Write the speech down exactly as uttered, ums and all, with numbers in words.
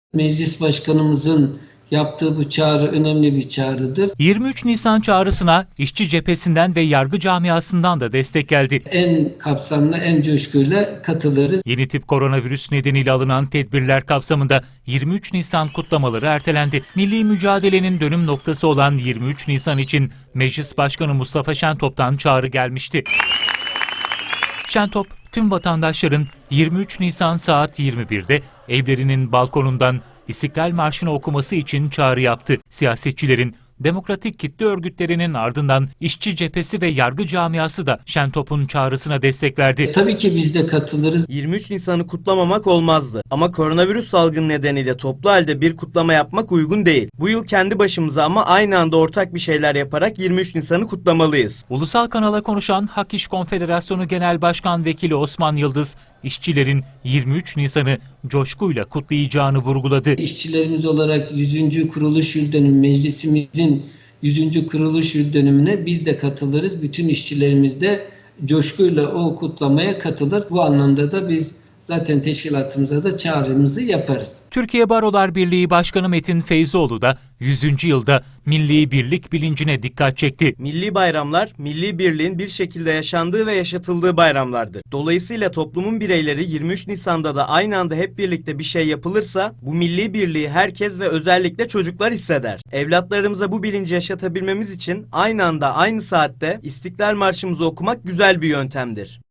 Meclis Başkanımızın yaptığı bu çağrı önemli bir çağrıdır. yirmi üç Nisan çağrısına işçi cephesinden ve yargı camiasından da destek geldi. En kapsamlı, en coşkuyla katılırız. Yeni tip koronavirüs nedeniyle alınan tedbirler kapsamında yirmi üç Nisan kutlamaları ertelendi. Milli mücadelenin dönüm noktası olan yirmi üç Nisan için Meclis Başkanı Mustafa Şentop'tan çağrı gelmişti. Şentop, tüm vatandaşların yirmi üç Nisan saat yirmi birde evlerinin balkonundan İstiklal Marşı'nı okuması için çağrı yaptı. Siyasetçilerin, demokratik kitle örgütlerinin ardından işçi cephesi ve yargı camiası da Şentop'un çağrısına destek verdi. Tabii ki biz de katılırız. yirmi üç Nisan'ı kutlamamak olmazdı. Ama koronavirüs salgını nedeniyle toplu halde bir kutlama yapmak uygun değil. Bu yıl kendi başımıza ama aynı anda ortak bir şeyler yaparak yirmi üç Nisan'ı kutlamalıyız. Ulusal kanala konuşan Hak İş Konfederasyonu Genel Başkan Vekili Osman Yıldız, işçilerin yirmi üç Nisan'ı coşkuyla kutlayacağını vurguladı. İşçilerimiz olarak yüzüncü kuruluş yıl dönümü, meclisimizin yüzüncü kuruluş yıl dönümüne biz de katılırız. Bütün işçilerimiz de coşkuyla o kutlamaya katılır. Bu anlamda da biz zaten teşkilatımıza da çağrımızı yaparız. Türkiye Barolar Birliği Başkanı Metin Feyzoğlu da yüzüncü yılda milli birlik bilincine dikkat çekti. Milli bayramlar, milli birliğin bir şekilde yaşandığı ve yaşatıldığı bayramlardır. Dolayısıyla toplumun bireyleri yirmi üç Nisan'da da aynı anda hep birlikte bir şey yapılırsa bu milli birliği herkes ve özellikle çocuklar hisseder. Evlatlarımıza bu bilinci yaşatabilmemiz için aynı anda aynı saatte İstiklal Marşımızı okumak güzel bir yöntemdir.